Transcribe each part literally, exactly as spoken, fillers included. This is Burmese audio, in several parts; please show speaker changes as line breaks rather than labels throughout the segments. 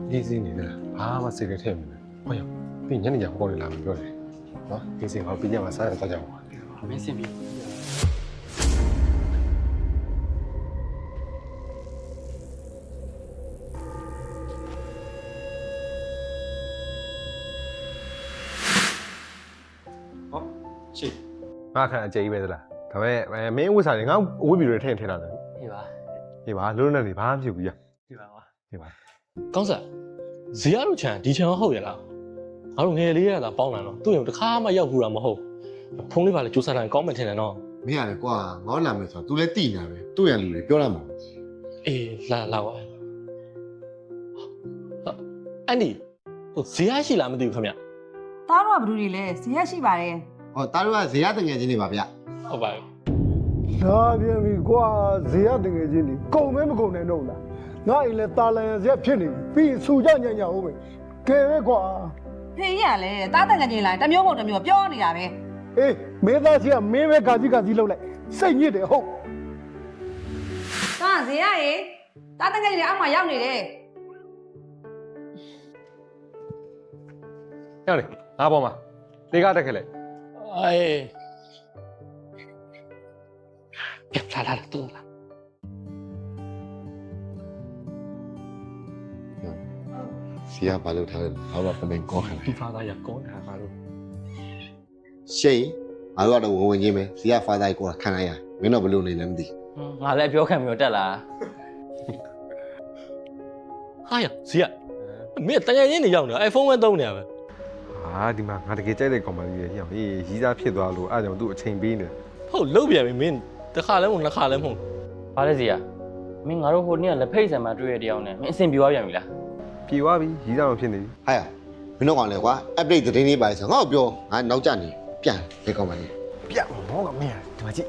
အေးစင်းနေတယ်ဘာမှစိတ်ထဲထည့်မနေဟုတ်ရောပြီးညနေကျမကောင်းနေလာမှပြောတယ်နော်အေးစင်းဟောပြီးညမှာစားရတော့ကြပါမင်းစင်ပြီဟောရှိငါခံအကျေကြီးပဲသလားဒါပေမဲ့မင်းဝစ်စားတယ်ငါအဝတ်ပြီးရထည့်ထည့်လာတယ်ဟေးပါဟေးပါလုံးနဲ့နေဘာမှမဖြစ်ဘူးရဟေးပါကွာဟေးပါကောင်းစားဇေယျတို့ချန်ဒီချန်ဟုတ်ရလားငါတို့ငယ်လေးရတာပေါင်းလာတော့သူ့ရုံတစ်ခါမှရောက်ဘူးတာမဟုတ်ဖုန်းလေးပါလေစူးစမ်းတိုင်းကောင်းမှထင်တယ်နော်
မင်းရတယ်ကွာငေါလာမယ်ဆိုတော့ तू လည်းတိနေတာပဲသူ့ရန်လူတွေပြောရမှာ
အေးလာလာပါအဲ့ဒီဟိုဇေယျရှိလားမသိဘူးခင်ဗျ
သားတို့ကဘယ်သူတွေလဲဇေယျရှိပါတယ်
ဟောသားတို့ကဇေယျတငယ်ချင်းတွေပါဗျ
ဟုတ်ပါပြီ
လာပြန်ပြီကွာဇေယျတငယ်ချင်းတွေကုန်မဲမကုန်နိုင်တော့လားငါအိမ်လဲတာလန်ဇက်ဖြစ်နေပြီပြီးစူကြညံ့ညံ့ဟုတ်ပဲကဲပဲကွာ
ဖေးရလဲသားတန်ငယ်ချင်းလာတမျိုးမဟုတ်တမျိုးပြောနေတာပဲ
အေးမင်းသားကြီးကမင်းပဲကာကြီးကာကြီးလှုပ်လိုက်စိတ်ညစ်တယ်ဟုတ်
သားဇေယျရေသားတန်ငယ်ချင်းအောက်မှာရောက်နေတယ်
ရောက်လေငါပေါ်မှာလေကားတက်ခဲ့လေအေးပြတ်လာလာတူလာ
ဇေယျဘာလို့ထားလဲဘာလို့ပမင်ကောခံလဲ
ဒီဖာသားရကောင်းတာဘာလို့
ရှိန်ငါတို့ကတော့ဝင်ဝင်ချင်းပဲဇေယျဖာသားကိုခံလိုက်ရမင်းတော့ဘလို့နေလဲမသိ
ငါလည်းပြောခံပြီးတော့တက်လာ
ဟာရဇေယျမင်းတကယ်ချင်းနေရောက်နေ iPhone ပဲသုံးနေရပဲဟာဒီမှာငါတကယ်ကြိုက်တဲ့ကောင်မလေးကြီးရောက်ဟေးရီးစားဖြစ်သွားလို့အားကြောင့်သူ့အချိန်ပေးနေဟုတ်လုတ်ပြန်ပြီမင်းတစ်ခါလဲမဟုတ်နှစ်ခါလဲမဟုတ်
ဘာလဲစီရမင်းငါတို့ဟိုနေ့ကလက်ဖိတ်ဆံမှာတွေ့ရတဲ့အောင်နဲ့မင်းအဆင်ပြေသွားပြန်ပြီလား
ပြေသွားပြီရီးစားတော့ဖြစ်နေပြီ
ဟာရမင်းတို့ကောင်လေကွာ update သတင်းလေးပါဆိုငါ့ကိုပြောငါနောက်ကျနေပြန်ဒီကောင်မလေး
ပြန်မောကမင်းဒီမှာကြည့်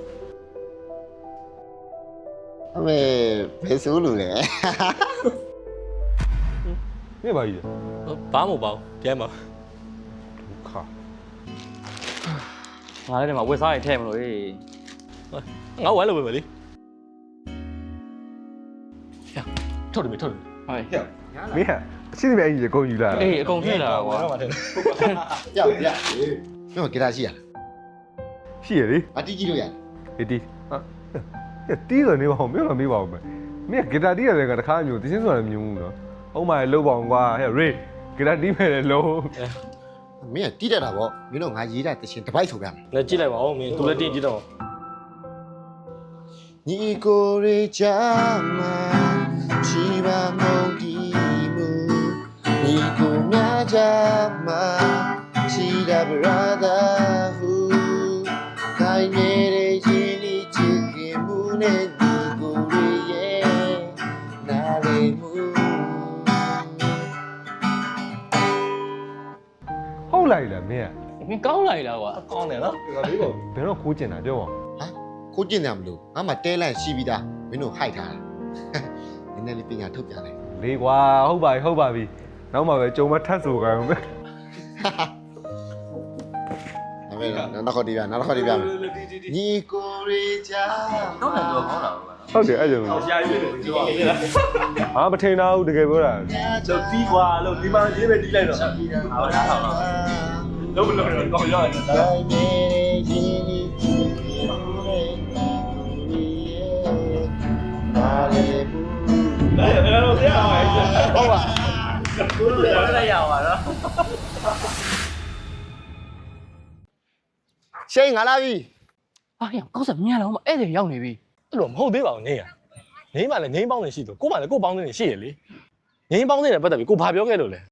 အမေဘယ်ဆိုးလို့လဲ
မင်းပါကြီးဘာမှမပေါ့ပြန်ပါခါ
ငါလည်းဒီမှာဝက်စားရထဲမလို့ဟေး
ငါဝိုင်းလို့ပဲမလေးဟဲ့ထုတ်တယ်မထုတ်တယ်
ဟဲ့
မင်းဟာအရှိနေအကြီးကိုယူလာ
အေးအကုန်ထည့်လာကွာ
ကြောက်ရမင်းကဂီတာရှိရလား
ရှိရလေ
အတီးကြည့်လို့ရ
အေးတီးဟာတီးတယ်နေပါဦးမင်းကမေးပါဦးမယ်မင်းကဂီတာတီးရတယ်ကတခါမျိုးတချင်းဆိုတာမျိုးဘူးနော်ဟုတ်ပါရဲ့လှုပ်ပါအောင်ကွာဟဲ့ရေဂီတာတီးမယ်လေလုံး
မင်းကတီးတတ်တာဗောမင်းတို့ငါရေးတဲ့တချင်းတစ်ပိုက်ဆိုပြမယ်
လက်ကြည့်လိုက်ပါဦးမင်းသူလည်းတင်းကြည့်တော့
ညီကိုရေချာမချီပါမုန်ဒီမူညီကိုမြာချာမချီတာဘရာသာဟူခိုင်နေတဲ့ရှင်ဒီချစ်ခင်မှုနဲ့ညီကိုရေရဲ့နာရီမူ
ဟုတ်လိုက်လားမင်း
ကမင်းကောင်းလိုက်လားကွာ
ကောင်းတယ်နော်ဒီကလေးကိုဘယ်တော့ခိုးကျင်တာပြောပါ
ဟာခိုးကျင်တယ်မလို့ငါမှတဲလန့်ရှိပြီးသားမင်းတို့ဟိုက်ထားတာနည်းနည်းလေးပညာထုတ်ပြလိုက်
လေးကွာဟုတ်ပါပြီဟုတ်ပါပြီနောက်မှပဲကြုံမထပ်ဆိုကြအောင်ပဲ
အမေနောက်ခေါ်တီးပြနောက်ခေါ်တီးပြမယ်ညီကိုရေချာ
တော့လည်းတော့ကောင်းတာ
ဟုတ်တယ်အဲ့ကြောင့်ရှာရွေးတယ်ပြောဟာမထင်တော့ဘူးတကယ်ပြောတာ
တော့တီးကွာလို့ဒီမှာရေးပဲတီးလိုက်တော့ဟာလားဟာလားလုံးမလုံးတော့ကောင်းရတယ်တိုင်းနေရင်
နာရီဘူး
来来来，这样还是好吧？不是这样吧？
ရှိန်ငါလာပြီ
啊呀，搞什么呀？我们အဲ့ဒါရောက်နေပြီ
အဲ့လိုမဟုတ်သေးပါဘူးနေရနေမှလည်းငိမ့်ပေါင်းနေရှိတော့ကိုမှလည်းကိုပေါင်းနေရှိရလေငိမ့်ပေါင်းနေတဲ့ပတ်သက်ပြီးကိုဘာပြောခဲ့လို့လဲ